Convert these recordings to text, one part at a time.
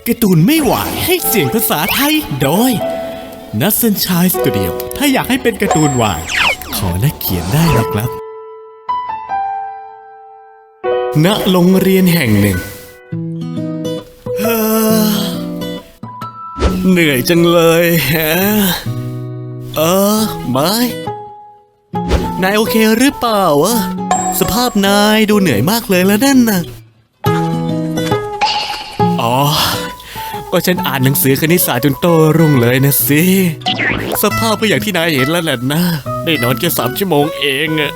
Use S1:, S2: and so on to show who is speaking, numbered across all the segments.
S1: การ์ตูนไม่หวานให้เสียงภาษาไทยโดยนัทซันชายสตูดิโอถ้าอยากให้เป็นการ์ตูนหวานขอนักเขียนได้นะครับณโรงเรียนแห่งหนึ่งเหนื่อยจังเลยฮะไม่นายโอเคหรือเปล่าวะสภาพนายดูเหนื่อยมากเลยแล้วนั่นน่ะอ๋อก็ฉันอ่านหนังสือคณิตศาสตร์จนโตรุ่งเลยนะสิสภาพก็อย่างที่นายเห็นแล้วแหละนะได้นอนแค่3 ชั่วโมงเองอะ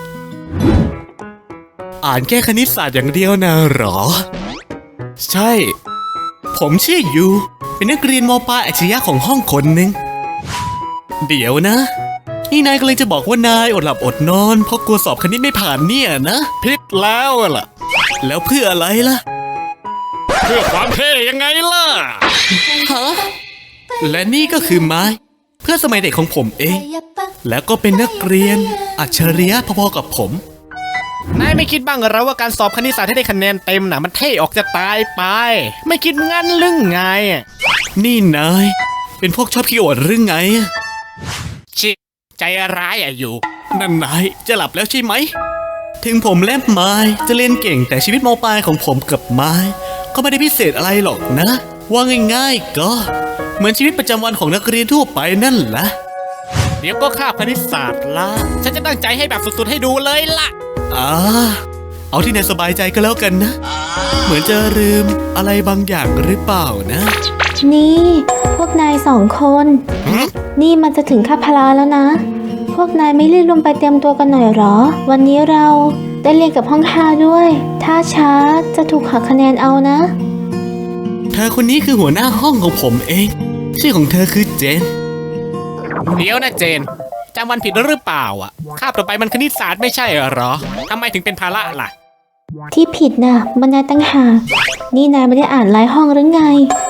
S1: อ่านแค่คณิตศาสตร์อย่างเดียวนะหรอใช่ผมชื่อยูเป็นนักเรียนม.ปลายอัจฉริยะของห้องคนหนึ่งเดี๋ยวนะนี่นายก็เลยจะบอกว่านายอดหลับอดนอนเพราะกลัวสอบคณิตไม่ผ่านเนี่ยนะผิดแล้วล่ะแล้วเพื่ออะไรล่ะเพื่อความเท่ยังไงล่ะฮะและนี่ก็คือไม้เพื่อสมัยเด็กของผมเองแล้วก็เป็นนักเรียนอัจฉริยะพอๆกับผมนายไม่คิดบ้างเหรอว่าการสอบคณิตศาสตร์ให้ได้คะแนนเต็มน่ะมันเท่ออกจะตายไปไม่คิดงั้นหรือไงนี่นายเป็นพวกชอบขี้อวดหรือไงชิใจร้ายอยู่นั่นนายจะหลับแล้วใช่ไหมถึงผมและไม้จะเรียนเก่งแต่ชีวิตม.ปลายของผมกับไม้ก็ไม่ได้พิเศษอะไรหรอกนะว่าง่ายๆก็เหมือนชีวิตประจำวันของนักเรียนทั่วไปนั่นแหละเดี๋ยวก็คาบคณิตศาสตร์ละฉันจะตั้งใจให้แบบสุดๆให้ดูเลยล่ะเอาที่นายสบายใจก็แล้วกันนะเหมือนจะลืมอะไรบางอย่างหรือเปล่านะ
S2: นี่พวกนาย2 คนนี่มันจะถึงคาบพละแล้วนะพวกนายไม่รีบลงไปเตรียมตัวกันหน่อยหรอวันนี้เราได้เรียนกับห้อง5ด้วยถ้าช้าจะถูกหักคะแนนเอานะ
S1: เธอคนนี้คือหัวหน้าห้องของผมเองชื่อของเธอคือเจนเดี๋ยวนะเจนจำวันผิดหรือเปล่าคาบต่อไปมันคณิตศาสตร์ไม่ใช่เหรอทำไมถึงเป็นภาระล่ะ
S2: ที่ผิดน่ะมันนายตั้งหากนี่นายไม่ได้อ่านรายห้องหรือไง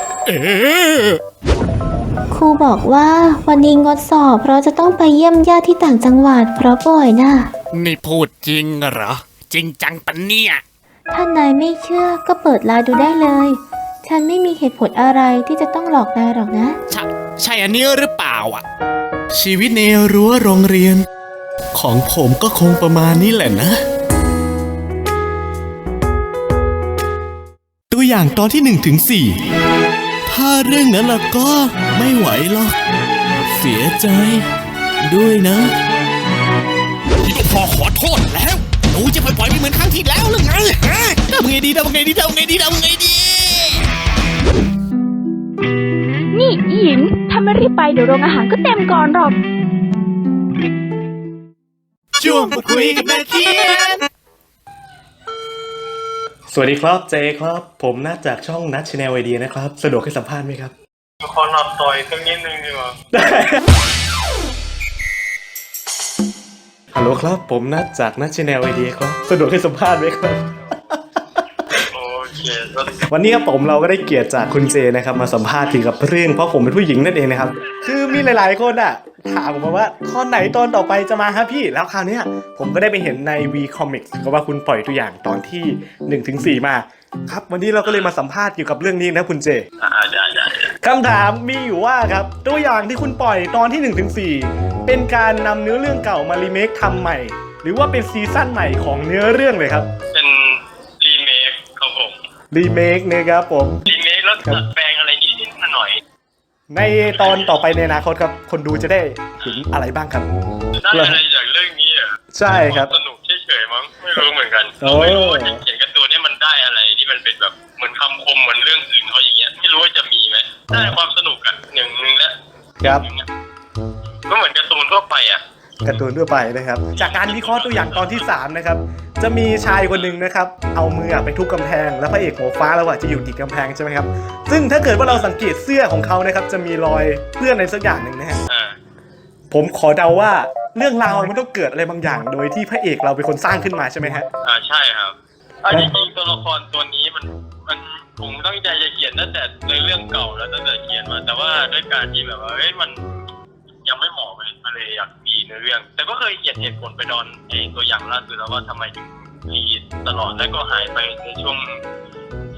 S2: ครูบอกว่าวันนี้งดสอบเพราะจะต้องไปเยี่ยมญาติที่ต่างจังหวัดเพราะป่วยน่ะ
S1: นี่พูดจริงเหรอจริงจังปะเนี่ย
S2: ถ้านายไม่เชื่อก็เปิดไลน์ดูได้เลยฉันไม่มีเหตุผลอะไรที่จะต้องหลอกนายหรอกนะ
S1: ใช่อันนี้หรือเปล่าชีวิตในรั้วโรงเรียนของผมก็คงประมาณนี้แหละนะตัวอย่างตอนที่1 ถึง 4ถ้าเรื่องนั้นล่ะก็ไม่ไหวหรอกเสียใจด้วยนะพอขอโทษแล้วหนูจะปล่อยไม่เหมือนครั้งที่แล้วหรือไงฮะทำไงดี
S3: นี่หญิงถ้าไม่รีบไปเดี๋ยวโรงอาหารก็เต็มก่อนหรอก
S1: ช่วงคุยกับนักเขียนสวัสดีครับเจครับผมนัดจากช่องนัทชาแนลไอเดียนะครับสะดวกให้สัมภาษณ์ไหมครับ
S4: ขอหลับต่อยสักนิดนึงดีกว่า
S1: ฮัลโหลครับผมนัดจากนัทชาแนลไอเดียครับสะดวกให้สัมภาษณ์ไหมครับ
S4: โอเค
S1: วันนี้ครับผมเราก็ได้เกียรติจากคุณเจนะครับมาสัมภาษณ์เกี่ยวกับเรื่องเพราะผมเป็นผู้หญิงนั่นเองนะครับคือมีหลายๆคนถามผมมาว่าข้อไหนตอนต่อไปจะมาครับพี่แล้วคราวนี้ผมก็ได้ไปเห็นใน V Comics ก็ว่าคุณปล่อยตัวอย่างตอนที่1 ถึง 4มาครับวันนี้เราก็เลยมาสัมภาษณ์เกี่ยวกับเรื่องนี้นะคุณเจ
S4: ได้
S1: คำถามมีอยู่ว่าครับตัวอย่างที่คุณปล่อยตอนที่1 ถึง 4เป็นการนำเนื้อเรื่องเก่ามารีเมคทำใหม่หรือว่าเป็นซีซั่นใหม่ของเนื้อเรื่องเลยครับ
S4: เป็นรีเมคครับผม
S1: รีเมคนะครับผม
S4: รีเมคแล้วดัดแปลงอะไรนิดหน่อย
S1: ในตอนต่อไปในอนาคตครับคนดูจะได้เห็นอะไรบ้างครับ
S4: ได้อะไรจากเรื่องนี้
S1: ใช่ครับ
S4: สนุกเฉยๆมั้งไม่รู้เหมือนกันไม่รู้ว่าเขียนการ์ตูนนี่มันได้อะไรที่มันเป็นแบบเหมือนคำคมเหมือนเรื่องอื่นเขาอย่างเงี้ยไม่รู้ว่าจะมีไหมได้ความสนุกอย่างนึงแล้ว
S1: ครับ
S4: ก็เหมือนการ์ตูนทั่วไป
S1: การ์ตูนทั่วไปนะครับจากการวิเคราะห์ตัวอย่างตอนที่3นะครับจะมีชายคนหนึ่งนะครับเอามือไปทุบกำแพงแล้วพระเอกหัวฟ้าแล้วจะอยู่ติดกำแพงใช่ไหมครับซึ่งถ้าเกิดว่าเราสังเกตเสื้อของเขานะครับจะมีรอยเปื้อนในสักอย่างหนึ่งนะฮะผมขอเดาว่าเรื่องราวมันต้องเกิดอะไรบางอย่างโดยที่พระเอกเราเป็นคนสร้างขึ้นมาใช่ไหมฮะ
S4: ใช่ครับจริงๆตัวละครตัวนี้มันผมตั้งใจจะเขียนตั้งแต่ในเรื่องเก่าแล้วตั้งแต่เขียนมาแต่ว่าด้วยการที่แบบว่ามันยังไม่เหมาะเลยมาเลยอยากมีในเรื่องแต่ก็เคยเขียนเหตุผลไปตอนตัวอย่างล่าสุดแล้วว่าทำไมถึงรีตลอดแล้วก็หายไปในช่วง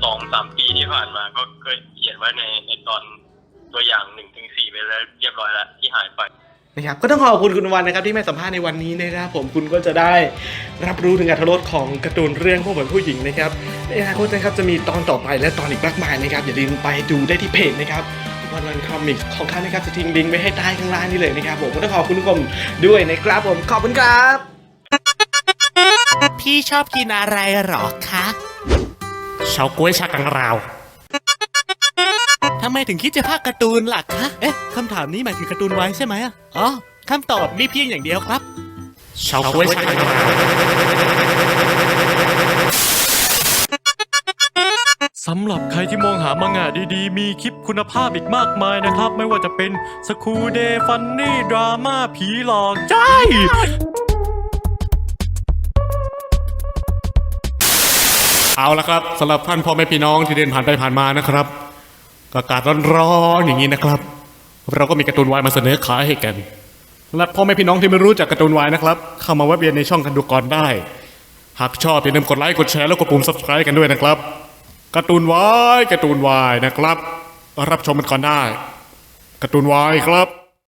S4: 2-3 ปีที่ผ่านมาก็เคยเขียนไว้ในตอนตัวอย่าง1-4ไปแล้วเรียบร้อยแล้วที่หายไป
S1: นะครับก็ต้องขอบคุณคุณวันนะครับที่มาสัมภาษณ์ในวันนี้นะครับผมคุณก็จะได้รับรู้ถึงอรรถรสของการ์ตูนเรื่องพวกเหมือนผู้หญิงนะครับในอนาคตนะครับจะมีตอนต่อไปและตอนอีกมากมายนะครับอย่าลืมไปดูได้ที่เพจนะครับวันคอมิกของเขานะครับจะทิ้งลิงก์ไว้ให้ใต้ข้างล่างนี่เลยนะครับผมก็ต้องขอบคุณทุกคนด้วยนะครับผมขอบคุณครับพี่ชอบกินอะไรหรอคะเฉาก๊วยชากังราวทำไมถึงคิดจะพากย์การ์ตูนล่ะคะเอ๊ะคำถามนี้หมายถึงการ์ตูนไว้ใช่ไหมอ๋อคำตอบมีเพียงอย่างเดียวครับเฉาก๊วยชากังราว
S5: สำหรับใครที่มองหามังงะดีๆ มีคลิปคุณภาพอีกมากมายนะครับ ไม่ว่าจะเป็นสคูเดฟันนี่ดราม่าผีหลอกใช่
S1: เอาละครับสำหรับท่านพ่อแม่พี่น้องที่เดินผ่านไปผ่านมานะครับอากาศร้อนๆอย่างนี้นะครับเราก็มีการ์ตูนวายมาเสนอขายให้กันและพ่อแม่พี่น้องที่ไม่รู้จักการ์ตูนวายนะครับเข้ามาแวะเวียนในช่องกันดูก่อนได้หากชอบอย่าลืมกดไลค์กดแชร์แล้วกดปุ่ม Subscribe กันด้วยนะครับการ์ตูนวายนะครับรับชมกันก่อนได้การ์ตูนวายครับ